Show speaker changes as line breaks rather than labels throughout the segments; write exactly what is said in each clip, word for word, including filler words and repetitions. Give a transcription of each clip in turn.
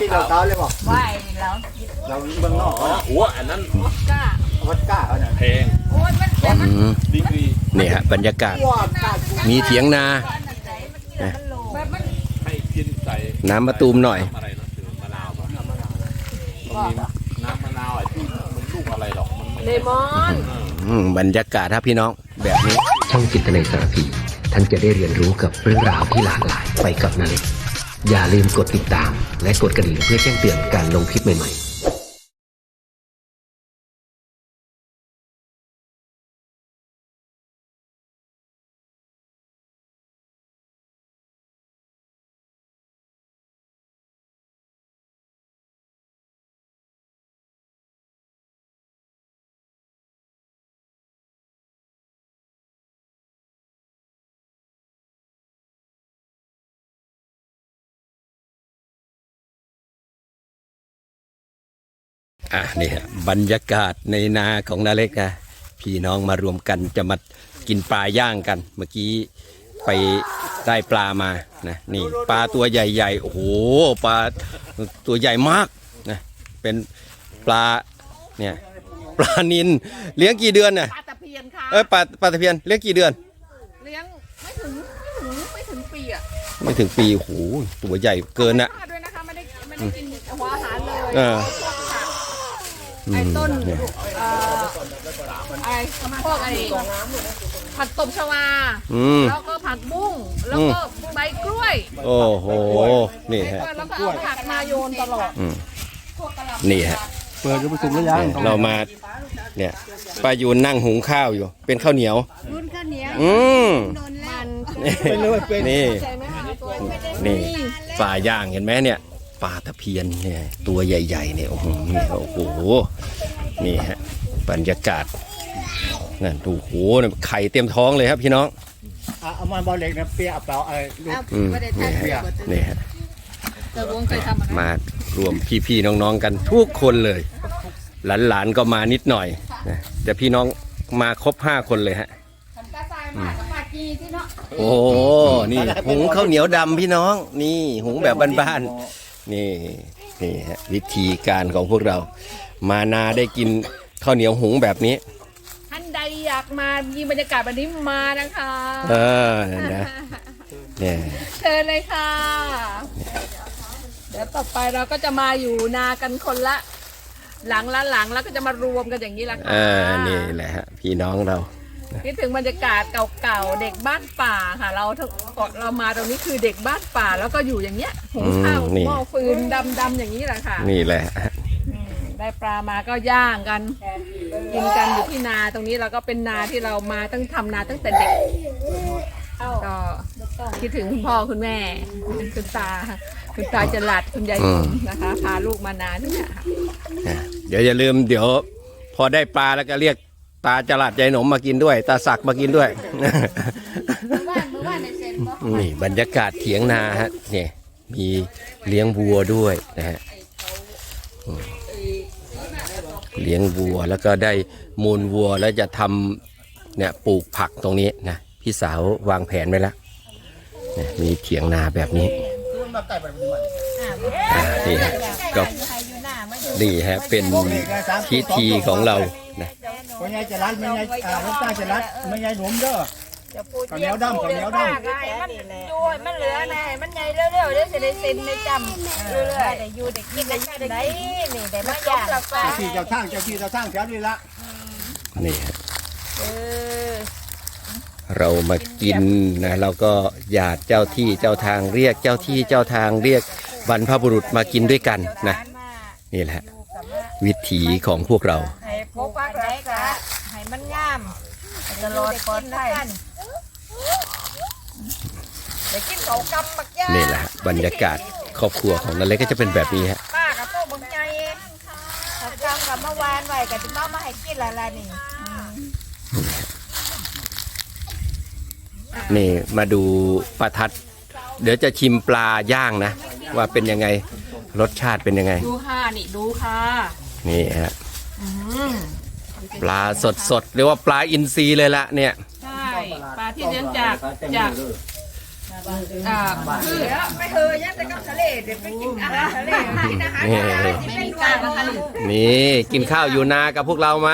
ที่เราเต้าเลยบอก
ไหวแล้ว
เราเมืองนอก
อ๋อหัวอันนั้น
ก้า
วัดก้าเขาเนี่ย
แพง
โอ้ยมันแต่มัน
อืม
ดีกรี
นี่ฮะบรรยากาศ
ว้าก้า
มีเถียงนา
แบบมัน
ให้กินใส่
น้ำมะตูมหน่อย
น้ำอะไรนะคือมะนาวป่ะมันมีน้ำมะนาวไอ้ที่มันลูกอะไรหรอกมันไม่
เลมอน
อืมบรรยากาศครับพี่น้องแบบนี้
ช่องจิตนาสารพีท่านจะได้เรียนรู้กับเรื่องราวที่หลากหลายไปกับนาเล็กอย่าลืมกดติดตามและกดกระดิ่งเพื่อแจ้งเตือนการลงคลิปใหม่ๆ
อ่ะนี่ฮะบรรยากาศในนาของนาเล็กนะพี่น้องมารวมกันจะมากินปลาย่างกัน เมื่อกี้ไปได้ปลามานะนี่ปลาตัวใหญ่ๆโอ้โหปลาตัวใหญ่มากนะเป็นปลาเนี่ยปลานิลเลี้ยงกี่เดือนน่ะ
ปลาตะเพียนค่ะ
เอ้ยปลาปลาตะเพียนเลี้ยงกี่เดือน
เลี้ยงไม่ถึงไม่ถึงไม่ถึงปีอ่ะ
ไม่ถึงปีโอ้โหตัวใหญ่เกินนะ
ทอดด้วยนะคะไม่ได้ไม่ได้กินหัวอาหารเลย
เออ
ไอ้ต้น
เนี่ย
เอ่อไอ้พวกไอ้ผักตบชวา
อืม
แล้วก็ผักบุ้งแล้วก็ใบกล้วย
โอ้โหนี่ฮะ
แล้วก็เอาผักมาโยนตลอด
อืมนี่ฮะ
เปิดจะไปสุกหรือยัง
เนี่ยเรามาเนี่ยป้ายูนนั่งหุงข้าวอยู่ เป็นข้าวเหนียว
รุ่นข้าวเหนียว
อืม
มัน
เป็นเลยเป็น
นี่
ใช่ไหมคะตัว
นี่ปลาย่างเห็นไหมเนี่ยปลาตะเพียนเนี่ยตัวใหญ่ๆเนี่ยโอ้โหนี่โอ้โหนี่ฮะบรรยากาศนั่นดูโหเนี่ยไข่เต็มท้องเลยครับพี่น้อง
เอามันบอลเล็กนะเปียเปล่าไอ้ลูก
อืมนี่ฮะนี่ฮะ
เจ้าวงเคยทำอะไร
มารวมพี่ๆน้องๆกันทุกคนเลย หลานๆก็มานิดหน่อยนะแต่พี่น้องมาครบห้าคนเลยฮะ
ทำกระซายมากับปาจีที่เนาะ
โอ้นี่หุงข้าวเหนียวดำพี่น้อง นี่หุงแบบบ้านๆนี่นี่ฮะวิธีการของพวกเรา มานาได้กินข้าวเหนียวหุงแบบนี้
ท่านใดอยากมามีบรรยากาศแบบนี้มานะคะ
เออนะเนี่ย
เชิญเลยค่ะ เดี๋ยวต่อไปเราก็จะมาอยู่นากันคนละ หลังละหลังแล้วก็จะมารวมกันอย่างนี้ละค่ะ
เออนี่แหละฮะพี่น้องเรา
คิดถึงบรรยากาศเก่าๆเด็กบ้านป่าค่ะ เราทั้งเรามาตรงนี้คือเด็กบ้านป่าแล้วก็อยู่อย่างเงี้ยหุงข้าว
อืมนี่
หม้อฟืนดำๆอย่างนี้แหละค่ะ
นี่แหละ
อืมได้ปลามาก็ย่างกัน กินกันอยู่ที่นาตรงนี้เราก็เป็นนาที่เรามาตั้งทำนาตั้งแต่เด็กก็คิดถึงคุณพ่อคุณแม่คุณตาคุณตาจรัดคุณยายผมนะคะพาลูกมานาที่เนี่ยค่ะ
นะเดี๋ยวอย่าลืมเดี๋ยว พอได้ปลาแล้วก็เรียกตาจลัดยายหนมมากินด้วย ตาสักมากินด้วย
บ้านเมื่อวานในเซนก็
นี่บรรยากาศเถียงนาฮะเนี่ยมีเลี้ยงวัวด้วยนะฮะอืมเลี้ยงวัวแล้วก็ได้มูลวัวแล้วจะทำเนี่ยปลูกผักตรงนี้นะพี่สาววางแผนไว้แล้วเนี่ยมีเถียงนาแบบนี้อ่านี่ฮะก็นี่ฮะเป็นพิธีของเรานะ
ไม่ใช่จะรัดไม่ใช่อ่าลูกตาจะรัดไม่ใช่หนุ่มเด้อข้าวเหนียวดำข้าวเหนียวดำ
มันดูมันเหลือนะมันใหญ่เร็วๆเดี๋ยวจะได้เซ็นในจำเรื่อยๆได้อยู่ได้กินได้ได้นี่ได้มาอย่าง
เจ้าที่เจ้าทางเจ้าที่เจ้าทางแถวนี้ละ
นี่ฮะ
เออ
เรามากินนะเราก็หยาดเจ้าที่เจ้าทางเรียกเจ้าที่เจ้าทางเรียกบรรพบุรุษมากินด้วยกันนะนี่แหละวิถีของพวกเรา
ให้พกปักไรกะให้มันงามตลอดปลอดภัยได้กินเขากำบักย่า
นี่แหละฮะบรรยากาศครอบครัวของนาเล็กก็จะเป็นแบบนี้ฮะ
ป้ากับโต๊ะบังใจเขากำกับเมื่อวานไว้กับที่มามาให้กินละละนี่
นี่มาดูประทัด เดี๋ยวจะชิมปลาย่างนะ ว่าเป็นยังไงรสชาติเป็นยังไง
ดูค่ะนี่ดูค่ะ
นี่ฮะปลาสดสดๆเรียกว่าปลาอินทรีเลยละเนี่ย
ใช่ปลาที่เลี้ยงจากจากอ่าคือ
ไม่เคยยังแต่กับทะเลเดี๋ยวไปกินอาหารทะเลกินอาหาร
นี่
ไม่มีการนะคะ
นี่กินข้าวอยู่นากับพวกเรามา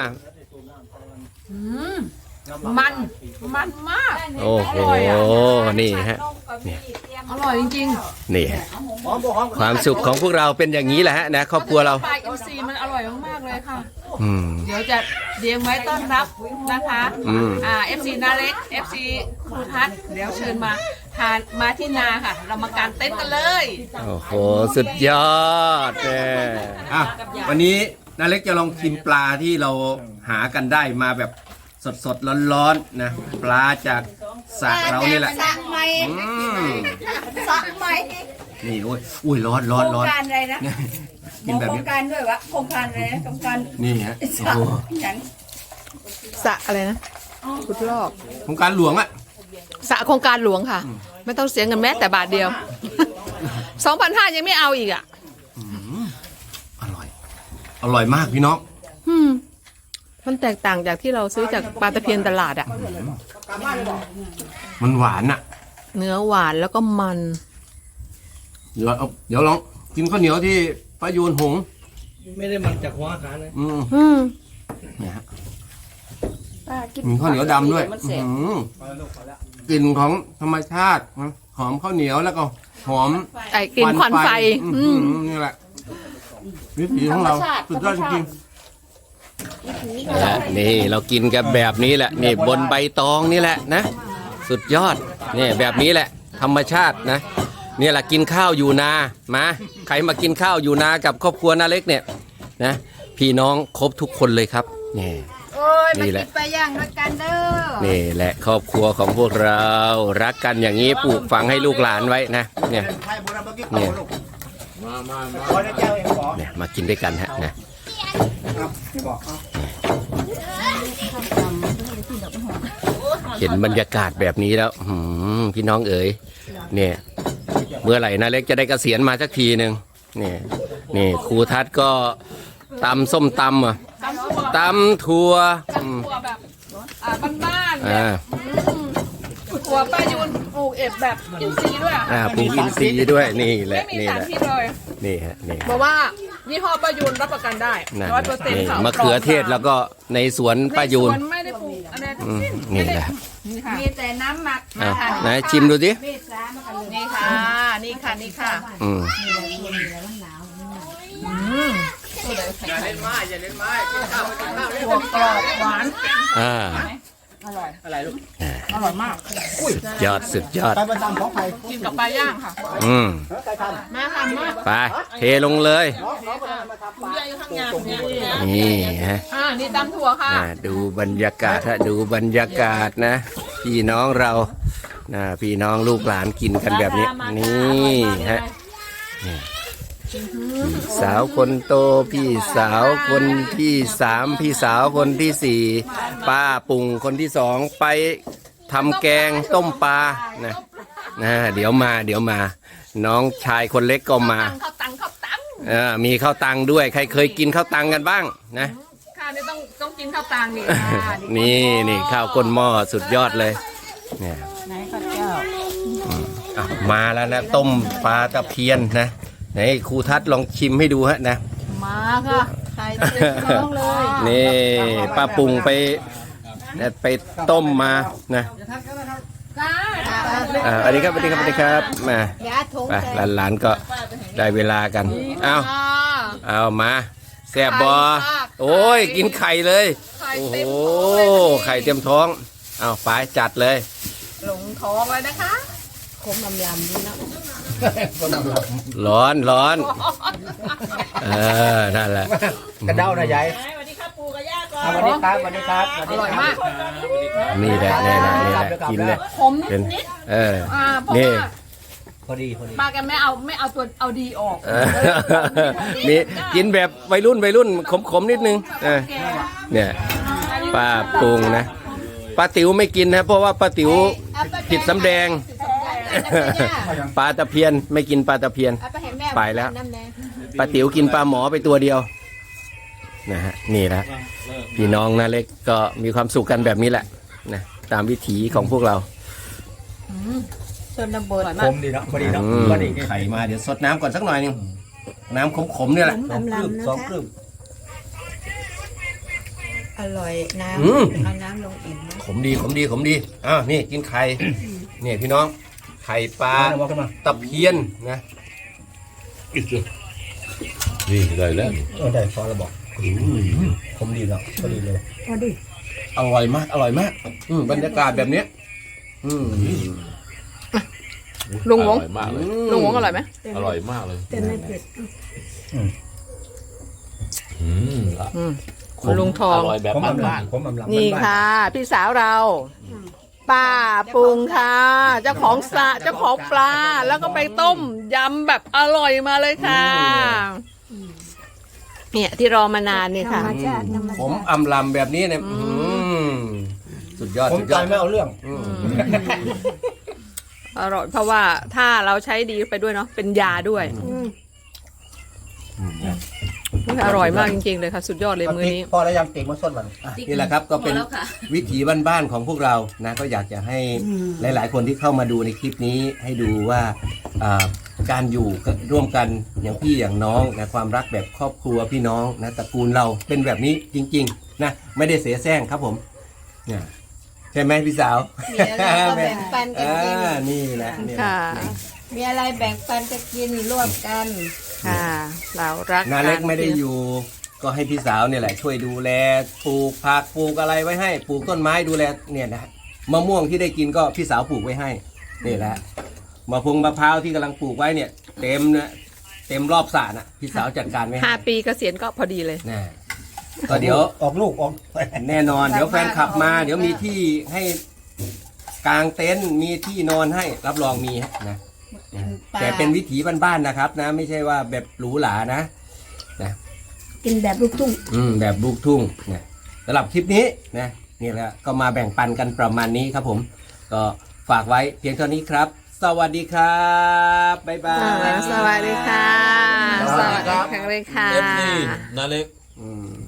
มันมันมาก
โอ้โหนี่ฮะ
อร่อยจริง
นี่ฮะความสุขของพวกเราเป็นอย่างนี้แหละฮะนะครอบครัวเรา
ปลาอินทรีมันอร่อยมากๆเลยค่ะ
อืม
เดี๋ยวจะเลี้ยงไว้ต้อนรับนะคะ
อืม
อ่า เอฟ ซี นาเล็ก เอฟ ซี ครูทัศน์เดี๋ยวเชิญมาทานมาที่นาค่ะ เรามากางเต็นท์กันเลย
โอ้โหสุดยอดแน่อ่ะวันนี้นาเล็กจะลองชิมปลาที่เราหากันได้มาแบบสดสดร้อนร้อนๆนะปลาจากสระเรานี่แหละ
สระไหม
อืม
สระไหม
นี่โอ้ยอุ้ยร้อนร้อน
โคร
ร้อง น
การอะไรนะ
เนี่ย
หม
กิน
อ
แบบ
โคร
นี้
งการด้วยวะโครงการอะไรนะโครงการ
นี่ฮะ
ส
โอ้
ระ
โห
อย่าง
สระอะไรนะขุดลอก
โครงการหลวงอะ
สระโครงการหลวงค่ะ ไม่ต้องเสียเงินแม้แต่บาทเดียว สองพันห้ายังไม่เอาอีกอ่ะ
อร่อย อร่อยมากพี่น้อง
อืมมันแตกต่างจากที่เราซื้อจากปลาตะเพียนตลาดอ่ะ
มันหวานอะ
เนื้อหวานแล้วก็มัน
เดี๋ยวเอาเดี๋ยวลองกินข้าวเหนียวที่ป้ายูนหุง
ไม่ได้มันจากหัวอาหารเลย
อืม
อืม
เนี่ยฮะมีข้าวเหนียวดำด้วยอื้อหือกลิ่นของธรรมชาตินะหอมข้าวเหนียวแล้วก็หอม
ไอ้กลิ่นควันไฟ
อื
อื
ม
ม
นี่แหละวิถีของเราสุดยอดจริงๆนี่เรากินกันแบบนี้แหละนี่บนใบตองนี่แหละนะ สุดยอดนี่แบบนี้แหละ ธรรมชาตินะเนี่ยแหละกินข้าวอยู่นามาใครมากินข้าวอยู่นากับครอบครัวนาเล็กเนี่ยนะพี่น้องครบทุกคนเลยครับนี่
โอ้ยมา
นี่แห
กิ
ละ
นไปย่างด้วยกันเด้อ
นี่แหละครอบครัวของพวกเรารักกันอย่างนี้ปลูกฝังให้ลูกหลานไว้นะเนี่ย
ไทยโบราณเมื่อกี้เขาลูก
มามามา
ขอได้เจ้าเองขอ
เนี่ยมากินด้วยกันฮะนะ
ครับที่บอกเอา
เห็นบรรยากาศแบบนี้แล้วหืมพี่น้องเอ๋ยเนี่ยเมื่อไหร่นาเล็กจะได้เกษียณมาสักทีหนึ่งนี่นี่ครูทัศน์ก็ตำส้มตำอ่ะตำถั่วอืม
ถั่วแบบอ่าบ้านๆ
อ่า
ถั่วป้ายูนปลูกเอ็ดแบบอินทรีย์ด้วยอะ
อ่าปลูกอินทรีย์ด้วยนี่แห
ไม่
ละ
มี
นี่
สาร
แหละ
พิษเลย
นี่ฮะนี่
บอกว่ายี่ห้อป้ายูนรับประกันได้
นะ
ร้อยเปอร์เซ็นต์
นี่
ค่ะ
มะเขือเทศแล้วก็ในสวนป้ายูน
ในสวนไม่ได้ปลูกอะไรทั้
อื
ง
ม
สิ้น
นี่แหละ
นี่ค่ะ
มีแต่น้ำหมัก
อ่ะไหนชิมดูสิ
นี่ค่ะ นี่ค่ะ นี่ค่ะ
อืม
ถั่วกรอบหวาน
อ่า
อะไรลูก
อร่อยมาก
ยอดสุดยอด
ไปประจำของใคร
กินกับปลาย่างค่ะ
อืม
ใครทำ
แม่ทำมาก
ไปเทลงเลย
คุณยายอยู่ข้างงานเนี่ย
นี่ฮะ
อ่า นี่ตำถั่วค่ะ
อ่าดูบรรยากาศฮะดูบรรยากาศนะ พี่น้องเรานะพี่น้องลูกหลานกินกันแบบนี้ นี่ฮะนี่พี่สาวคนโต พี่สาวคนที่สามพี่สาวคนที่สี่ป้าปุงคนที่สองไปทำแกงต้มปลานะนะเดี๋ยวมาเดี๋ยวมา น้องชายคนเล็กก็มา
ข้าวตังข้าวตัง
เออมีข้าวตังด้วยใครเคยกินข้าวตังกันบ้างนะ
ค่ะนี่ต้องต้องกินข้าวตังนี่ค่ะ
นี่นี่ข้าวก้นหม้อสุดยอดเลยเนี่ย
ไหนข้าวเจ้า
อ่ะมาแล้วนะต้มปลาตะเพียนนะไหนครูทัศน์ลองชิมให้ดูฮะนะ
มาค่ะใส่เต็มท้องเลย
นี่ป้าปุงไปไปต้มมานะ
ค่ะ
อ่าอันนี้ครับสวัสดีครับสวัสดีครับมา
อย่าถุง
ไปหลานๆก็ได้เวลากันเอา
อ่า
เอามาแซ่บบอ
ไข่มาก
โอ้ยกินไข่เลย
ไข่
โอ้โห
เต็มท้องเลย
ไข่เต็มท้องเอาไปจัดเลย
หลงท้องเลยนะคะ
ร้อนร้อนเออนั่นแหละ
กระเด้านะยาย
สวัสดีครับปู่กับย่าก่อน
สวัสดีครับสวัสดีครับสวัส
อ
ดี
ร่อย
ค
มา
รั
ก
บ
นี่แหละนี่แหละนี่แหละกินเลย
ขม
เป็น
นิด
เออ
ๆอ่าเพราะ
นี่
ว่า
พอดีพอดี
ป้าแกไม่เอาไม่เอาตัวเอาดีออก
เออนี่กินแบบวัยรุ่นวัยรุ่นขมๆนิดนึงเออเนี่ยป้าปรุงนะป้าติ๋วไม่กินนะเพราะว่าป้าติ๋วผิดสำแดงปลาตะเพียนไม่กินปลาตะเพียน
เอาไปให้แม่
ไปแล้วป้าติ๋วกินปลาหมอไปตัวเดียวนะฮะนี่แหละพี่น้องนะเล็กก็มีความสุขกันแบบนี้แหละนะตามวิถีของพวกเรา
ชนบท
ขมดีเนาะพอดีเนาะ
อืม
พอดี
ไข่มาเดี๋ยวสดน้ำก่อนสักหน่อยหนึงน้ำขมๆเนี่ยแหละ
สองครึ่งสองครึ่ง
อร่อยน้
อืม
ำเอาน้ำลงอิ่มนะ
ขมดีขมดีขมดีอ้าวนี่กินไข่นี่พี่น้องไข่ปลา
เอาขึ้นมา
ตะเพียนนะ
นี่ได้แล้ว
เออได้พอแล้วบอกขมดีเนาะพอดีเลย
พอดี
อร่อยมากอร่อยมากอืมบรรยากาศแบบเนี้ยอืม
ลุงหวง
อร่อยมากเลย
ลุงหวงอร่อยไหม
อร่อยมากเลย
แต่ไม่เผ็ด
อืม
อืม
ขม
ลุงทอง
อร่อยแบบ
ขมอำลา
บ้าน
ขมอำลา
นี่
บ้า
ค่ะ พี่สาวเรา ป้าปรุงค่ะ เจ้าของสระเจ้าของปลา แล้วก็ไปต้มยำแบบอร่อยมาเลยค่ะ เนี่ยที่รอมานานเนี่ย
ธร
ค่ะ
รมชาติธรรม
ผม
ชาติ
อำลำแบบนี้เนี่ยอืมสุดยอด
ผม
สุดย
ใจ
อด
ไม่เอาเรื่อง
อืม
อร่อยเพราะว่าถ้าเราใช้ดีไปด้วยเนาะเป็นยาด้วยอร่อยมากจริงๆเลยค่ะ สุดยอดเลยมื้อนี้
พอแล้วยังเก่งมาส้นมัน
นี่แหละครับก็เป็นวิถีบ้านๆของพวกเรานะก็อยากจะให้หลายๆ คนที่เข้ามาดูในคลิปนี้ให้ดูว่าอ่าการอยู่ร่วมกันอย่างพี่อย่างน้องนะความรักแบบครอบครัวพี่น้องนะตระกูลเราเป็นแบบนี้จริงๆนะไม่ได้เสียแซงครับผมเนี่ยใช่ไหมพี่สาว
มีอะไรก็แบ่งปันกันกิน
อ่านี่แหละนี่แหละ
ค่ะ
มีอะไรแบ่งปันจะกินร่วมกัน
ค่ะ เรารัก
นาเล็ก
น
ไม่ได้อยู่ ก็ให้พี่สาวเนี่ยแหละช่วยดูแลปลูกผักปลูกอะไรไว้ให้ปลูกต้นไม้ดูแลเนี่ยนะมะม่วงที่ได้กินก็พี่สาวปลูกไว้ให้นี่แหละมะพงมะพร้าวที่กำลังปลูกไว้เนี่ย เต็มเนี่ยเต็มรอบสระน่ะพี่สาวจัดการไว้ให้
ห้าปีเกษียณก็พอดีเลย
นะก็เดี๋ยว
ออกลูกออก
แน่นอนเดี๋ยวแฟนขับมา เดี๋ยวมีที่ให้กางเต็นท์มีที่นอนให้รับรองมีนะแต่เป็นวิถีบ้านๆนะครับนะ ไม่ใช่ว่าแบบหรูหรานะนะ
กินแบบลูกทุ่ง
อืมแบบลูกทุ่งนะสำหรับคลิปนี้นะนี่แหละก็มาแบ่งปันกันประมาณนี้ครับผม ก็ฝากไว้เพียงเท่านี้ครับ สวัสดีครับบ๊ายบาย
สวัสดีค่ะ
สวัสดีครับ
แข็งแรงค่ะ
เอฟซีนาเล็ก
อืม